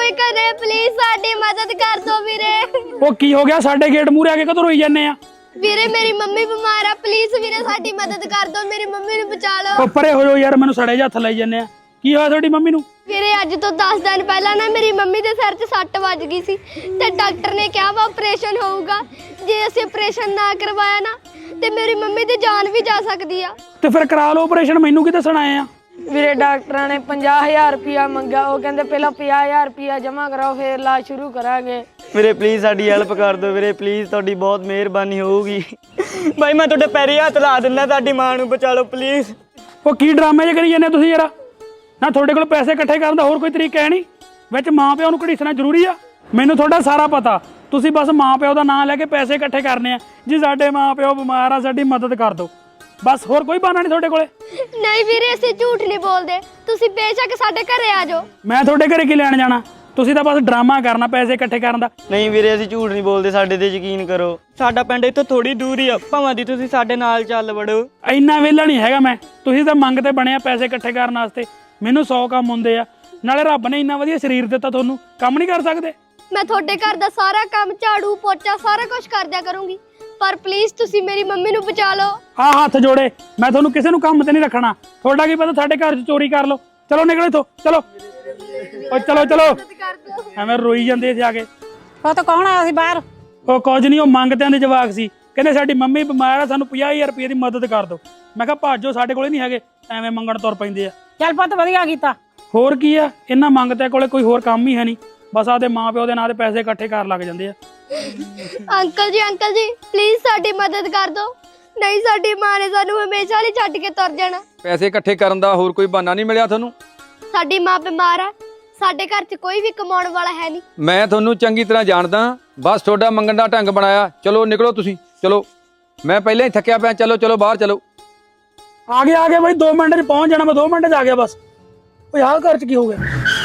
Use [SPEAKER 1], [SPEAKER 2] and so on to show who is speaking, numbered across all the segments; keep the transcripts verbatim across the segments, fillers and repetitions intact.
[SPEAKER 1] ਸਾਡੇ ਘਰੇ ਪਲੀਜ਼ ਸਾਡੀ ਮਦਦ ਕਰ ਦਿਓ ਵੀਰੇ।
[SPEAKER 2] ਉਹ ਕੀ ਹੋ ਗਿਆ? ਸਾਡੇ ਗੇਟ ਮੂਹਰੇ ਆ ਕੇ ਕਦੋਂ ਰੋਈ ਜਾਂਦੇ ਆ?
[SPEAKER 1] ਵੀਰੇ ਮੇਰੀ ਮੰਮੀ ਬਿਮਾਰ ਆ, ਪਲੀਜ਼ ਵੀਰੇ ਸਾਡੀ ਮਦਦ ਕਰ ਦਿਓ, ਮੇਰੀ ਮੰਮੀ ਨੂੰ ਬਚਾ ਲਓ।
[SPEAKER 2] ਉਹ ਪਰੇ ਹੋ ਜਾਓ ਯਾਰ, ਮੈਨੂੰ ਸੜੇ ਜਿਹੇ ਹੱਥ ਲਾਈ ਜਾਂਦੇ ਆ। ਕੀ ਹੋਇਆ ਤੁਹਾਡੀ ਮੰਮੀ ਨੂੰ?
[SPEAKER 1] ਵੀਰੇ ਅੱਜ ਤੋਂ ਦਸ ਦਿਨ ਪਹਿਲਾਂ ਨਾ ਮੇਰੀ ਮੰਮੀ ਦੇ ਸਿਰ 'ਚ ਸੱਟ ਵੱਜ ਗਈ ਸੀ ਤੇ ਡਾਕਟਰ ਨੇ ਕਿਹਾ ਵਾ ਆਪਰੇਸ਼ਨ ਹੋਊਗਾ। ਜੇ ਅਸੀਂ ਆਪਰੇਸ਼ਨ ਨਾ ਕਰਵਾਇਆ ਨਾ ਤੇ ਮੇਰੀ ਮੰਮੀ ਦੀ ਜਾਨ ਵੀ ਜਾ ਸਕਦੀ ਆ।
[SPEAKER 2] ਤੇ ਫਿਰ ਕਰਾ ਲਓ ਆਪਰੇਸ਼ਨ, ਮੈਨੂੰ ਕੀ ਦੱਸਣ ਆਏ ਆ?
[SPEAKER 3] ਵੀਰੇ ਡਾਕਟਰਾਂ ਨੇ ਪੰਜਾਹ ਹਜ਼ਾਰ ਰੁਪਇਆ ਮੰਗਿਆ, ਉਹ ਕਹਿੰਦੇ ਪਹਿਲਾਂ ਪੰਜਾਹ ਹਜ਼ਾਰ ਰੁਪਇਆ ਜਮ੍ਹਾਂ ਕਰਾਓ ਫਿਰ ਇਲਾਜ ਸ਼ੁਰੂ ਕਰਾਂਗੇ।
[SPEAKER 4] ਵੀਰੇ ਪਲੀਜ਼ ਸਾਡੀ ਹੈਲਪ ਕਰ ਦਿਓ ਵੀਰੇ, ਪਲੀਜ਼ ਤੁਹਾਡੀ ਬਹੁਤ ਮਿਹਰਬਾਨੀ ਹੋਊਗੀ। ਬਾਈ ਮੈਂ ਤੁਹਾਡੇ ਪੈਰੀ ਹੱਥ ਲਾ ਦਿੰਦਾ, ਤੁਹਾਡੀ ਮਾਂ ਨੂੰ ਬਚਾ ਲਓ ਪਲੀਜ਼।
[SPEAKER 2] ਉਹ ਕੀ ਡਰਾਮੇ ਜੇ ਕਰੀ ਜਾਂਦੇ ਤੁਸੀਂ ਯਾਰ? ਨਾ ਤੁਹਾਡੇ ਕੋਲ ਪੈਸੇ ਇਕੱਠੇ ਕਰਨ ਦਾ ਹੋਰ ਕੋਈ ਤਰੀਕਾ ਹੈ ਨਹੀਂ? ਵਿੱਚ ਮਾਂ ਪਿਓ ਨੂੰ ਘੜੀਸਣਾ ਜ਼ਰੂਰੀ ਆ? ਮੈਨੂੰ ਤੁਹਾਡਾ ਸਾਰਾ ਪਤਾ, ਤੁਸੀਂ ਬਸ ਮਾਂ ਪਿਓ ਦਾ ਨਾਂ ਲੈ ਕੇ ਪੈਸੇ ਇਕੱਠੇ ਕਰਨੇ ਆ। ਜੀ ਸਾਡੇ ਮਾਂ ਪਿਓ ਬਿਮਾਰ ਆ, ਸਾਡੀ ਮਦਦ ਕਰ ਦਿਓ, ਬਸ ਹੋਰ ਕੋਈ ਬਹਾਨਾ ਨਹੀਂ ਤੁਹਾਡੇ ਕੋਲੇ?
[SPEAKER 1] ਨਹੀਂ ਵੀਰੇ ਅਸੀਂ ਝੂਠ ਨਹੀਂ ਬੋਲਦੇ, ਤੁਸੀਂ ਬੇਸ਼ੱਕ ਸਾਡੇ ਘਰੇ ਆ ਜਾਓ।
[SPEAKER 2] ਮੈਂ ਤੁਹਾਡੇ ਘਰੇ ਕੀ ਲੈਣ ਜਾਣਾ? ਤੁਸੀਂ ਤਾਂ ਬਸ ਡਰਾਮਾ ਕਰਨਾ ਪੈਸੇ ਇਕੱਠੇ ਕਰਨ ਦਾ।
[SPEAKER 4] ਨਹੀਂ ਵੀਰੇ ਅਸੀਂ ਝੂਠ ਨਹੀਂ ਬੋਲਦੇ, ਸਾਡੇ ਤੇ ਯਕੀਨ ਕਰੋ। ਸਾਡਾ ਪਿੰਡ ਇੱਥੋਂ ਥੋੜੀ ਦੂਰ ਹੀ ਆ, ਭਾਵਾਂ ਦੀ ਤੁਸੀਂ ਸਾਡੇ ਨਾਲ ਚੱਲ ਵੜੋ।
[SPEAKER 2] ਇੰਨਾ ਵਿਹਲਾ ਨਹੀਂ ਹੈਗਾ ਮੈਂ, ਤੁਸੀਂ ਤਾਂ ਮੰਗ ਤੇ ਬਣਿਆ ਪੈਸੇ ਇਕੱਠੇ ਕਰਨ ਵਾਸਤੇ। ਮੈਨੂੰ ਸੌ ਕੰਮ ਹੁੰਦੇ ਆ, ਨਾਲੇ ਰੱਬ ਨੇ ਇੰਨਾ ਵਧੀਆ ਸਰੀਰ ਦਿੱਤਾ ਤੁਹਾਨੂੰ, ਕੰਮ ਨਹੀਂ ਕਰ ਸਕਦੇ?
[SPEAKER 1] ਮੈਂ ਤੁਹਾਡੇ ਘਰ ਦਾ ਸਾਰਾ ਕੰਮ ਝਾੜੂ ਪੋਚਾ ਸਾਰਾ ਕੁਝ ਕਰ ਦਿਆ ਕਰੂੰਗੀ, ਪਰ ਪਲੀਜ਼ ਤੁਸੀਂ ਮੇਰੀ ਮੰਮੀ ਨੂੰ ਬਚਾ ਲਓ।
[SPEAKER 2] ਆਹ ਹੱਥ ਜੋੜੇ, ਮੈਂ ਤੁਹਾਨੂੰ ਕਿਸੇ ਨੂੰ ਕੰਮ ਤੇ ਨਹੀਂ ਰੱਖਣਾ। ਤੁਹਾਡਾ ਕੀ ਪਤਾ ਸਾਡੇ ਘਰ 'ਚ ਚੋਰੀ ਕਰ ਲਓ। ਚਲੋ ਨਿਕਲੋ ਇੱਥੋਂ, ਚਲੋ ਓ ਚਲੋ ਚਲੋ। ਐਵੇਂ ਰੋਈ ਜਾਂਦੇ ਸੀ ਆ ਕੇ।
[SPEAKER 5] ਉਹ ਤਾਂ ਕੌਣ ਆਇਆ ਸੀ ਬਾਹਰ?
[SPEAKER 2] ਉਹ ਕੁਝ ਨਹੀਂ, ਉਹ ਮੰਗਦਿਆਂ ਦੇ ਜਵਾਕ ਸੀ। ਕਹਿੰਦੇ ਸਾਡੀ ਮੰਮੀ ਬਿਮਾਰ ਆ, ਸਾਨੂੰ ਪੰਜਾਹ ਹਜ਼ਾਰ ਰੁਪਏ ਦੀ ਮਦਦ ਕਰ ਦਿਓ। ਮੈਂ ਕਿਹਾ ਭਾਜੋ, ਸਾਡੇ ਕੋਲੇ ਨਹੀਂ ਹੈਗੇ, ਐਵੇਂ ਮੰਗਣ ਤੁਰ ਪੈਂਦੇ ਆ।
[SPEAKER 5] ਚੱਲ ਪੁੱਤ ਵਧੀਆ ਕੀਤਾ।
[SPEAKER 2] ਹੋਰ ਕੀ ਆ, ਇਹਨਾਂ ਮੰਗਦਿਆਂ ਕੋਲੇ ਕੋਈ ਹੋਰ ਕੰਮ ਹੀ ਹੈ ਨਹੀਂ, ਬਸ ਆਦੇ ਮਾਂ ਪਿਓ ਦੇ ਨਾਂ ਤੇ ਪੈਸੇ ਇਕੱਠੇ ਕਰਨ ਲੱਗ ਜਾਂਦੇ ਆ।
[SPEAKER 1] ਅੰਕਲ ਜੀ ਅੰਕਲ ਜੀ ਪਲੀਜ਼ ਸਾਡੀ ਮਦਦ ਕਰ ਦਿਓ, ਨਹੀਂ ਸਾਡੀ ਮਾਂ ਨੇ ਸਾਨੂੰ ਹਮੇਸ਼ਾ ਲਈ ਛੱਡ ਕੇ ਤੁਰ ਜਾਣਾ।
[SPEAKER 6] ਪੈਸੇ ਇਕੱਠੇ ਕਰਨ ਦਾ ਹੋਰ ਕੋਈ ਬਹਾਨਾ ਨਹੀਂ ਮਿਲਿਆ ਤੁਹਾਨੂੰ?
[SPEAKER 1] ਸਾਡੀ ਮਾਂ ਬਿਮਾਰ ਆ, ਸਾਡੇ ਘਰ 'ਚ ਕੋਈ ਵੀ ਕਮਾਉਣ ਵਾਲਾ ਹੈ ਨਹੀਂ।
[SPEAKER 6] ਮੈਂ ਤੁਹਾਨੂੰ ਚੰਗੀ ਤਰ੍ਹਾਂ ਜਾਣਦਾ, ਬਸ ਤੁਹਾਡਾ ਮੰਗਣ ਦਾ ਢੰਗ ਬਣਾਇਆ। ਚਲੋ ਨਿਕਲੋ ਤੁਸੀਂ, ਚਲੋ ਮੈਂ ਪਹਿਲਾਂ ਹੀ ਥੱਕਿਆ ਪਿਆ। ਚਲੋ ਚਲੋ ਬਾਹਰ ਚਲੋ।
[SPEAKER 2] ਆ ਗਿਆ ਆ ਗਿਆ ਬਾਈ, ਦੋ ਮਿੰਟ 'ਚ ਪਹੁੰਚ ਜਾਣਾ ਮੈਂ, ਦੋ ਮਿੰਟ 'ਚ ਆ ਗਿਆ ਬਸ। ਓਏ ਆਹ ਘਰ 'ਚ ਕੀ ਹੋ ਗਿਆ?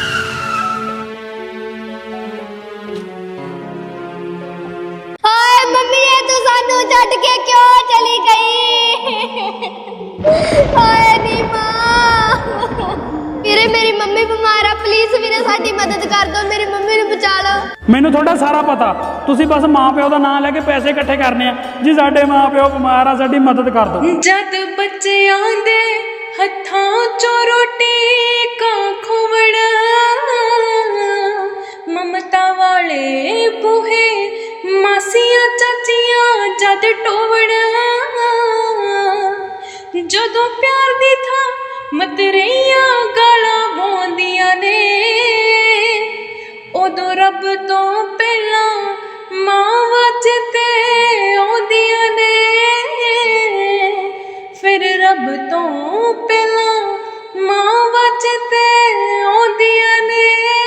[SPEAKER 1] ਹਾਏ ਮੰਮੀ ਇਹ ਤੂੰ ਸਾਨੂੰ ਛੱਡ ਕੇ ਕਿਉਂ ਚਲੀ ਗਈ? ਹਾਏ ਨੀ ਮਾਂ। ਵੀਰੇ ਮੇਰੀ ਮੰਮੀ ਬਿਮਾਰ ਆ, ਪਲੀਜ਼ ਵੀਰੇ ਸਾਡੀ ਮਦਦ ਕਰ ਦਿਓ, ਮੇਰੀ ਮੰਮੀ ਨੂੰ ਬਚਾ ਲਓ।
[SPEAKER 2] ਮੈਨੂੰ ਤੁਹਾਡਾ ਸਾਰਾ ਪਤਾ, ਤੁਸੀਂ ਬਸ ਮਾਂ ਪਿਓ ਦਾ ਨਾਂ ਲੈ ਕੇ ਪੈਸੇ ਇਕੱਠੇ ਕਰਨੇ ਆ। ਜੀ ਸਾਡੇ ਮਾਂ ਪਿਓ ਬਿਮਾਰ ਆ, ਸਾਡੀ ਮਦਦ ਕਰ ਦਿਓ।
[SPEAKER 7] ਜਦ ਬੱਚਿਆਂ ਦੇ ਹੱਥਾਂ ਚੋਂ ਰੋਟੀ ਕਾ ਖੋਵਣਾ, ਮਮਤਾ ਵਾਲੇ ਬੂਹੇ ਮਾਸੀਆਂ ਚਾਚੀਆਂ ਜਦ ਟੋਵਣਾ, ਜਦੋਂ ਪਿਆਰ ਦੀ ਥਾਂ ਮਤਰੇਈਆਂ ਗਾਲਾਂ ਪਾਉਂਦੀਆਂ ਨੇ, ਉਦੋਂ ਰੱਬ ਤੋਂ ਪਹਿਲਾਂ ਮਾਂ ਵਾਜਤੇ ਆਉਂਦੀਆਂ ਨੇ, ਫਿਰ ਰੱਬ ਤੋਂ ਪਹਿਲਾਂ ਮਾਂ ਵਾਜਤੇ ਆਉਂਦੀਆਂ ਨੇ।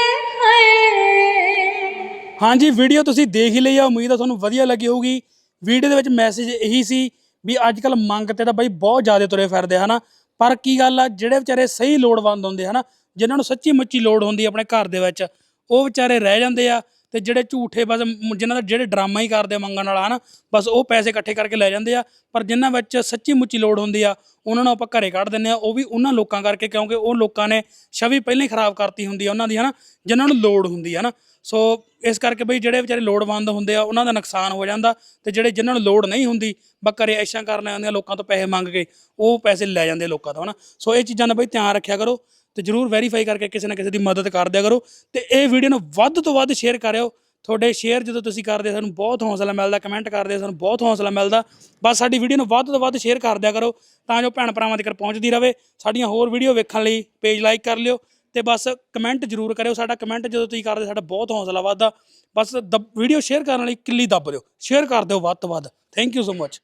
[SPEAKER 2] ਹਾਂਜੀ, ਵੀਡੀਓ ਤੁਸੀਂ ਦੇਖ ਹੀ ਲਈ ਆ, ਉਮੀਦ ਆ ਤੁਹਾਨੂੰ ਵਧੀਆ ਲੱਗੀ ਹੋਊਗੀ। ਵੀਡੀਓ ਦੇ ਵਿੱਚ ਮੈਸੇਜ ਇਹੀ ਸੀ ਵੀ ਅੱਜ ਕੱਲ ਮੰਗ ਤੇ ਤਾਂ ਬਾਈ ਬਹੁਤ ਜ਼ਿਆਦਾ ਤੁਰੇ ਫਿਰਦੇ ਹਨਾ, ਪਰ ਕੀ ਗੱਲ ਆ, ਜਿਹੜੇ ਵਿਚਾਰੇ ਸਹੀ ਲੋੜਵੰਦ ਹੁੰਦੇ ਹਨਾ, ਜਿਨ੍ਹਾਂ ਨੂੰ ਸੱਚੀ ਮੁੱਚੀ ਲੋੜ ਹੁੰਦੀ ਆਪਣੇ ਘਰ ਦੇ ਵਿੱਚ, ਉਹ ਵਿਚਾਰੇ ਰਹਿ ਜਾਂਦੇ ਆ। ਤੇ ਜਿਹੜੇ ਝੂਠੇ ਬਸ ਜਿਨ੍ਹਾਂ ਦਾ ਜਿਹੜੇ ਡਰਾਮਾ ਹੀ ਕਰਦੇ ਮੰਗਣ ਵਾਲਾ ਹਨਾ, ਬਸ ਉਹ ਪੈਸੇ ਇਕੱਠੇ ਕਰਕੇ ਲੈ ਜਾਂਦੇ ਆ। ਪਰ ਜਿਨ੍ਹਾਂ ਵਿੱਚ ਸੱਚੀ ਮੁੱਚੀ ਲੋੜ ਹੁੰਦੀ ਆ, ਉਹਨਾਂ ਨੂੰ ਆਪਾਂ ਘਰੇ ਕੱਢ ਦਿੰਦੇ ਆ। ਉਹ ਵੀ ਉਹਨਾਂ ਲੋਕਾਂ ਕਰਕੇ, ਕਿਉਂਕਿ ਉਹ ਲੋਕਾਂ ਨੇ ਛਵੀ ਪਹਿਲਾਂ ਹੀ ਖਰਾਬ ਕਰਤੀ ਹੁੰਦੀ ਆ ਉਹਨਾਂ ਦੀ ਹਨਾ, ਜਿਨ੍ਹਾਂ ਨੂੰ ਲੋੜ ਹੁੰਦੀ ਆ ਨਾ। ਸੋ ਇਸ ਕਰਕੇ ਬਈ ਜਿਹੜੇ ਵਿਚਾਰੇ ਲੋੜਵੰਦ ਹੁੰਦੇ ਆ ਉਹਨਾਂ ਦਾ ਨੁਕਸਾਨ ਹੋ ਜਾਂਦਾ, ਤੇ ਜਿਹੜੇ ਜਿਨ੍ਹਾਂ ਨੂੰ ਲੋੜ ਨਹੀਂ ਹੁੰਦੀ ਬਸ ਘਰੇ ਐਸ਼ਾਂ ਕਰਨ ਆਉਂਦੀਆਂ ਲੋਕਾਂ ਤੋਂ ਪੈਸੇ ਮੰਗ ਕੇ, ਉਹ ਪੈਸੇ ਲੈ ਜਾਂਦੇ ਲੋਕਾਂ ਤੋਂ ਹਨਾ। ਸੋ ਇਹ ਚੀਜ਼ਾਂ ਦਾ ਬਈ ਧਿਆਨ ਰੱਖਿਆ ਕਰੋ, ਤੇ ਜ਼ਰੂਰ ਵੈਰੀਫਾਈ ਕਰਕੇ ਕਿਸੇ ਨਾ ਕਿਸੇ ਦੀ ਮਦਦ ਕਰ ਦਿਆ ਕਰੋ। ਤੇ ਇਹ ਵੀਡੀਓ ਨੂੰ ਵੱਧ ਤੋਂ ਵੱਧ ਸ਼ੇਅਰ ਕਰਿਓ। ਤੁਹਾਡੇ ਸ਼ੇਅਰ ਜਦੋਂ ਤੁਸੀਂ ਕਰਦੇ ਸਾਨੂੰ ਬਹੁਤ ਹੌਸਲਾ ਮਿਲਦਾ, ਕਮੈਂਟ ਕਰਦੇ ਸਾਨੂੰ ਬਹੁਤ ਹੌਸਲਾ ਮਿਲਦਾ। ਬਸ ਸਾਡੀ ਵੀਡੀਓ ਨੂੰ ਵੱਧ ਤੋਂ ਵੱਧ ਸ਼ੇਅਰ ਕਰ ਦਿਆ ਕਰੋ, ਤਾਂ ਜੋ ਭੈਣ ਭਰਾਵਾਂ ਤੱਕ ਪਹੁੰਚਦੀ ਰਹੇ। ਸਾਡੀਆਂ ਹੋਰ ਵੀਡੀਓ ਵੇਖਣ ਲਈ ਪੇਜ ਲਾਈਕ ਕਰ ਲਿਓ, ਤੇ ਬਸ ਕਮੈਂਟ ਜ਼ਰੂਰ ਕਰਿਓ। ਸਾਡਾ ਕਮੈਂਟ ਜਦੋਂ ਤੁਸੀਂ ਕਰਦੇ ਸਾਡਾ ਬਹੁਤ ਹੌਸਲਾ ਵੱਧਦਾ। ਬਸ ਦ ਵੀਡੀਓ ਸ਼ੇਅਰ ਕਰਨ ਲਈ ਕਿੱਲੀ ਦੱਬ ਦਿਓ, ਸ਼ੇਅਰ ਕਰ ਦਿਓ ਵੱਧ ਤੋਂ ਵੱਧ। Thank you so much.